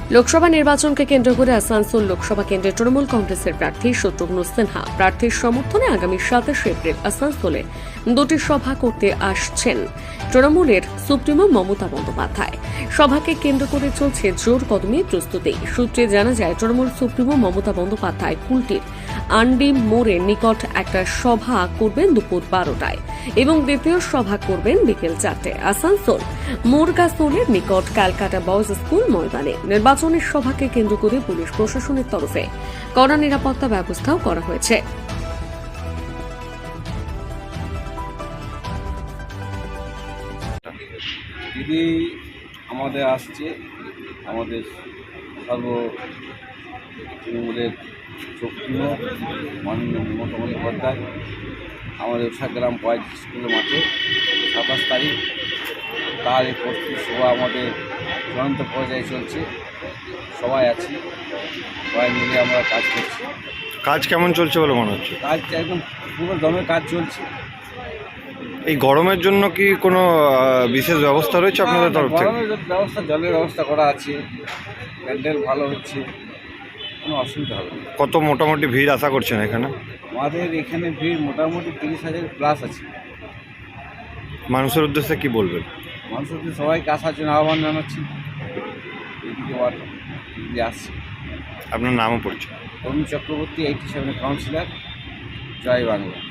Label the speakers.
Speaker 1: লোকসভা নির্বাচনকে কেন্দ্র করে আসানসোল লোকসভা কেন্দ্রে তৃণমূল কংগ্রেসের প্রার্থী শত্রুঘ্ন সিনহা প্রার্থীর সমর্থনে আগামী 27 এপ্রিল আসানসোলে দুটি সভা করতে আসছেন তৃণমূলের সুপ্রিমো মমতা বন্দ্যোপাধ্যায়। সভাকে কেন্দ্র করে চলছে জোর কদমে প্রস্তুতি। সূত্রে জানা যায়, তৃণমূল সুপ্রিমো মমতা বন্দ্যোপাধ্যায় কুলটির আন্ডি মোড়ের নিকট একটা সভা করবেন দুপুর 12টায় এবং দ্বিতীয় সভা করবেন বিকেল 4টায় আসানসোল মোরগাসোলের নিকট ক্যালকাটা বয়েজ স্কুল ময়দানে। নির্বাচনের সভাকে কেন্দ্র করে পুলিশ প্রশাসনের তরফে কড়া নিরাপত্তা ব্যবস্থাও করা হয়েছে।
Speaker 2: দিদি আমাদের আসছে, আমাদের সর্ব তৃণমূলের সুপ্রিমো মাননীয় মমতা বন্দ্যোপাধ্যায় আমাদের উষাগ্রাম বয়েজ স্কুলের মাঠে 27 তারিখ তার এই প্রস্তুতি সভা আমাদের চূড়ান্ত পর্যায়ে চলছে। সবাই আছি, সবাই মিলে আমরা কাজ করছি।
Speaker 3: কাজ কেমন চলছে বলে মনে হচ্ছে?
Speaker 2: কাজ একদম পুরো দমে কাজ চলছে।
Speaker 3: এই গরমের জন্য কি কোনো বিশেষ ব্যবস্থা রয়েছে আপনাদের তরফ থেকে?
Speaker 2: গরমের ব্যবস্থা, জলের ব্যবস্থা করা আছে, প্যান্ডেল ভালো হচ্ছে, কোনো অসুবিধা হবে না।
Speaker 3: কত মোটামুটি ভিড় আশা করছেন এখানে?
Speaker 2: আমাদের এখানে ভিড় মোটামুটি 30,000 প্লাস আছে।
Speaker 3: মানুষের উদ্দেশ্যে কি বলবেন?
Speaker 2: মানুষদের সবাইকে আসার জন্য আহ্বান জানাচ্ছি। এদিকে আসছে।
Speaker 3: আপনার নামও পড়ছে?
Speaker 2: তরুণ চক্রবর্তী, 87 কাউন্সিলর, জয় বাংলা।